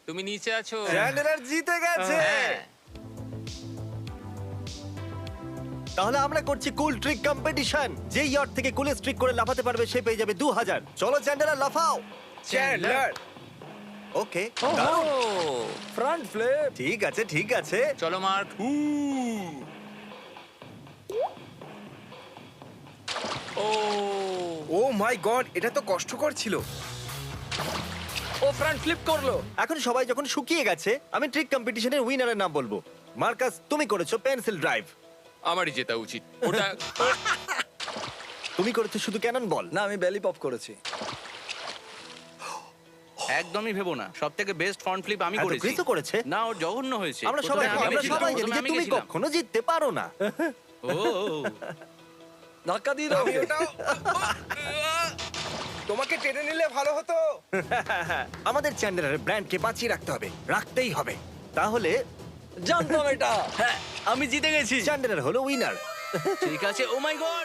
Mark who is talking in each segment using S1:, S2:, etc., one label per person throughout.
S1: তুমি নিচে আছো।
S2: চ্যান্ডেলার জিতে গেছে।
S1: হ্যাঁ।
S2: তাহলে আমরা করছি কুল ট্রিক কম্পিটিশন। যে ইয়ট থেকে কুলেস্ট ট্রিক করে লাফাতে পারবে সে পেয়ে যাবে 2000। চলো চ্যান্ডেলার লাফাও।
S3: চ্যান্ডলার
S2: ওকে
S1: ও
S3: ফ্রন্ট ফ্লিপ।
S2: ঠিক আছে ঠিক আছে।
S1: চলো mark. O
S3: O my god, এটা তো কষ্টকর ছিল। ও ফ্রন্ট ফ্লিপ করলো।
S2: এখন সবাই যখন শুকিয়ে গেছে আমি ট্রিক কম্পিটিশনের উইনারের নাম বলবো। মার্কাস তুমি করেছো পেন্সিল ড্রাইভ।
S1: আমারই জেতা উচিত ওটা।
S2: তুমি করেছো শুধু ক্যানন বল।
S3: না, আমি বেলি পপ করেছি।
S4: একদমই ভেবো না, সব থেকে বেস্ট ফ্রন্ট ফ্লিপ আমি
S2: হ্যাঁ, তো
S4: করেছি।
S2: ক্রিসও করেছে।
S4: না, ওর জঘন্য হয়েছে।
S2: আমরা
S4: প্রথমে
S2: সবাই
S4: আমি গেছিলাম,
S2: জানি
S4: প্রথমে
S2: যে
S4: আমি
S2: তুমি
S4: গেছিলাম।
S2: কখনো জিততে পারো না।
S4: ও
S3: ধাক্কা দিয়ে দাও ওটাও। তোমাকে টেনে নিলে ভালো হতো।
S2: আমাদের চ্যান্ডেলারের ব্র্যান্ডকে বাঁচিয়ে রাখতে হবে, রাখতেই হবে। তাহলে
S3: জানতাম এটা।
S4: হ্যাঁ, আমি জিতে গেছি।
S2: চ্যান্ডেলার হলো উইনার।
S4: ঠিক আছে। Oh my god.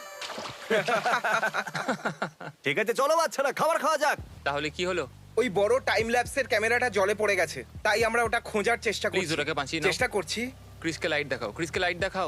S2: ঠিক আছে চলো বাচ্চারা খাবার খাওয়া যাক।
S1: তাহলে কি হলো?
S5: ওই বড় টাইম ল্যাপসের ক্যামেরাটা জলে পড়ে গেছে, তাই আমরা ওটা খোঁজার চেষ্টা
S1: প্লিজ
S5: করছি।
S1: ওটাকে বাঁচিয়ে নাও।
S5: চেষ্টা করছি।
S1: ক্রিসকে লাইট দেখাও, ক্রিসকে লাইট দেখাও।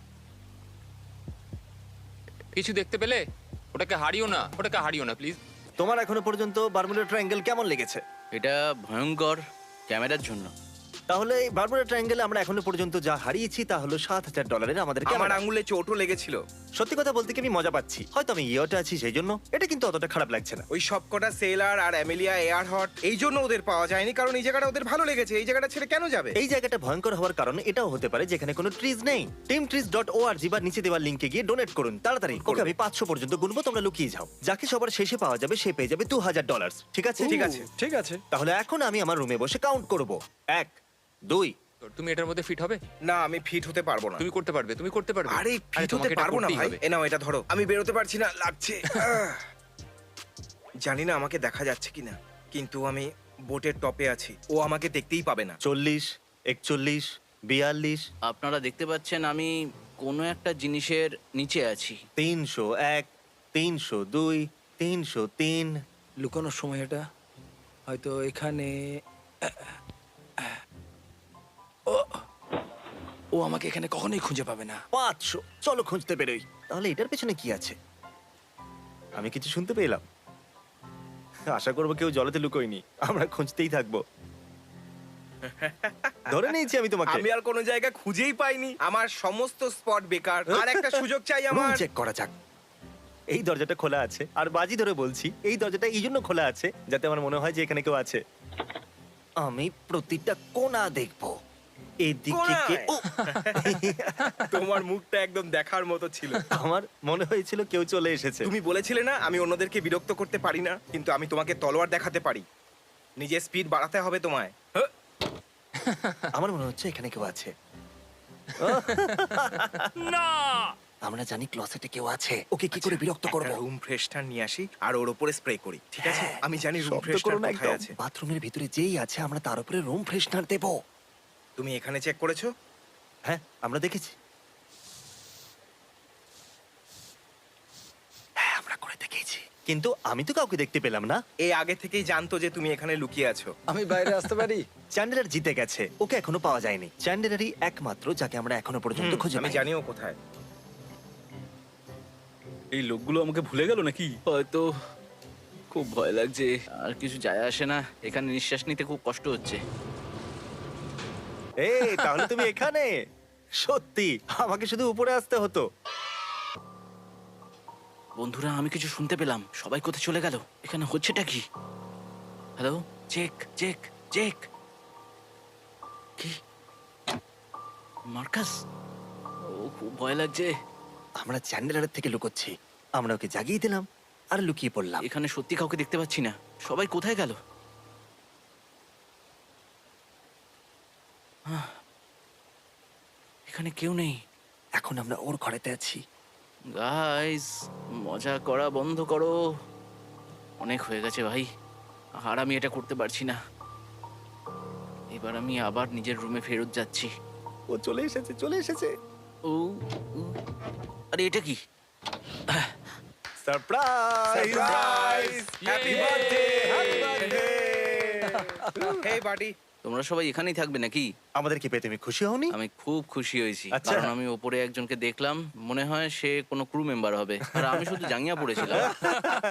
S1: কিছু দেখতে পেলে? ওটাকে হারিও না, ওটাকে হারিও না প্লিজ।
S2: তোমার এখনো পর্যন্ত বারমুডা ট্রায়াঙ্গেল কেমন লেগেছে?
S4: এটা ভয়ঙ্কর ক্যামেরার জন্য।
S2: তাহলে এই বারমুডা ট্রায়াঙ্গেলে আমরা এখনো পর্যন্ত যা হারিয়েছি তা হলো $7,000 আমাদের
S5: আমার
S2: ক্যামেরা।
S5: আঙুলে চোটও লেগেছিল।
S2: সত্যি কথা বলতে কি আমি মজা পাচ্ছি, হয়তো আমি ইয়েটা আছি সেই জন্য। এটা কিন্তু অতটা খারাপ লাগছে না।
S5: ওই সবকটা সেলার আর অ্যামেলিয়া এয়ার হট এই জন্য ওদের পাওয়া যায়নি, কারণ এই জায়গাটা ওদের ভালো লেগেছে। এই জায়গাটা ছেড়ে কেন যাবে?
S2: এই জায়গাটা ভয়ঙ্কর হওয়ার কারণ এটাও হতে পারে যেখানে কোনো ট্রিজ নেই। teamtrees.org বা নিচে দেওয়া লিংকে গিয়ে ডোনেট করুন তাড়াতাড়ি। ওকে আমি 500 পর্যন্ত গুনবো, তোমরা লুকিয়ে যাও। যাকে সবার শেষে পাওয়া যাবে সে পেয়ে যাবে $2,000। ঠিক আছে
S5: ঠিক আছে।
S3: ঠিক আছে।
S2: তাহলে এখন আমি আমার রুমে বসে কাউন্ট করব। 1 2
S1: তুমি এটার মধ্যে ফিট হবে?
S5: না, আমি ফিট হতে পারবো না।
S1: তুমি করতে পারবে, তুমি করতে পারবে।
S5: আরে ফিট হতে
S1: তোমাকে এটা
S5: পারবো না
S1: করতেই
S5: ভাই।
S1: হবে।
S5: এ নাও এটা ধরো। আমি বেরোতে পারছি না, লাগছে। জানি না আমাকে দেখা যাচ্ছে কিনা, কিন্তু আমি বোটের টপে আছি। ও আমাকে দেখতেই পাবে না।
S2: 40 41 42
S4: আপনারা দেখতে পাচ্ছেন আমি কোনো একটা জিনিসের নিচে আছি।
S2: 301 302 303
S3: লুকানোর সময় এটা হয়তো এখানে। ও আমাকে এখানে কখনোই খুঁজে পাবে না।
S2: 500। চলো খুঁজতে বেরোই। তাহলে এটার পেছনে কি আছে? আমি কিছু শুনতে পেলাম। আশা করবো কেউ জলেতে লুকোয়নি। আমরা খুঁজতেই থাকবো। ধরে নিয়েছি আমি তোমাকে।
S5: আমি আর কোনো জায়গা খুঁজেই পাইনি। আমার সমস্ত স্পট বেকার। আর একটা সুযোগ চাই
S2: রুম
S5: আমার।
S2: চেক করা যাক। এই দরজাটা খোলা আছে, আর বাজি ধরে বলছি এই দরজাটা এই জন্য খোলা আছে যাতে আমার মনে হয় যে এখানে কেউ আছে। আমি প্রতিটা কোণা দেখবো। এদিকে কে? ও!
S5: তোমার মুখটা একদম দেখার মতো ছিল।
S2: আমার মনে হয়েছিল কেউ চলে এসেছে।
S5: তুমি বলেছিলে না আমি অন্যদেরকে বিরক্ত করতে পারি না, কিন্তু আমি তোমাকে তলোয়ার দেখাতে পারি। নিজের স্পিড বাড়াতে হবে তোমায়।
S2: আমার মনে হচ্ছে এখানে কেউ আছে।
S1: না!
S2: আমরা জানি ক্লসেটে কেউ আছে। ওকে কি করে বিরক্ত করব?
S5: রুম ফ্রেশনার নিয়ে আসি আর ওর উপরে স্প্রে করি, ঠিক আছে? আমি জানি রুম
S2: শব্দ করো
S5: ফ্রেশনার
S2: না
S5: কোথায়
S2: একদম।
S5: আছে।
S2: বাথরুমের ভিতরে যেই আছে আমরা তার উপরে রুম ফ্রেশনার দেব।
S5: তুমি এখানে চেক করেছো?
S2: হ্যাঁ, আমরা দেখেছি। হ্যাঁ, আমরা করে দেখেছি। কিন্তু আমি তো কাউকে দেখতে পেলাম না।
S5: এই আগে থেকেই জানতো যে তুমি এখানে লুকিয়ে আছো।
S3: আমি বাইরে আসতে পারি?
S2: চ্যান্ডেলার জিতে গেছে, ওকে এখনো পাওয়া যায়নি। চ্যান্ডেলারই একমাত্র যাকে আমরা এখনো পর্যন্ত খুঁজে
S5: আমি
S2: পাইনি।
S5: জানিও কোথায়।
S4: এই লোকগুলো আমাকে ভুলে গেল নাকি? হয়তো। খুব ভয় লাগছে। আর কিছু যায় আসে না, এখানে নিঃশ্বাস নিতে খুব কষ্ট হচ্ছে।
S2: এই তাহলে তুমি এখানে? সত্যি আমাকে শুধু উপরে আসতে হতো।
S4: বন্ধুরা, আমি কিছু শুনতে পেলাম। সবাই কোথায় চলে গেল? এখানে হচ্ছেটা কি? Hello, check check check. কি? মার্কাস? ও, খুব ভয় লাগছে।
S2: আমরা চ্যান্ডেলারের থেকে লুকোচ্ছি। আমরা ওকে জাগিয়ে দিলাম আর লুকিয়ে পড়লাম।
S4: এখানে সত্যি কাউকে দেখতে পাচ্ছি না। সবাই কোথায় গেল? এখানে কেউ নেই।
S2: এখন আমরা ওর ঘরেতে আছি।
S4: গাইস, মজা করা বন্ধ করো। অনেক হয়ে গেছে ভাই, আর আমি এটা করতে পারছি না। এবার আমি আবার নিজের রুমে ফেরত যাচ্ছি।
S2: ও চলে এসেছে, চলে এসেছে।
S4: ও, ও, আরে এটা কি?
S2: Surprise!
S5: Surprise! Happy birthday! Happy birthday! Hey buddy,
S4: তোমরা সবাই এখানেই থাকবে নাকি?
S2: আমাদেরকে পেয়ে তুমি খুশি হওনি?
S4: আমি খুব খুশি হয়েছি,
S2: আচ্ছা।
S4: কারণ আমি ওপরে একজনকে দেখলাম, মনে হয় সে কোনো ক্রু মেম্বার হবে, আর আমি শুধু জাঙ্গিয়া পড়েছিলাম।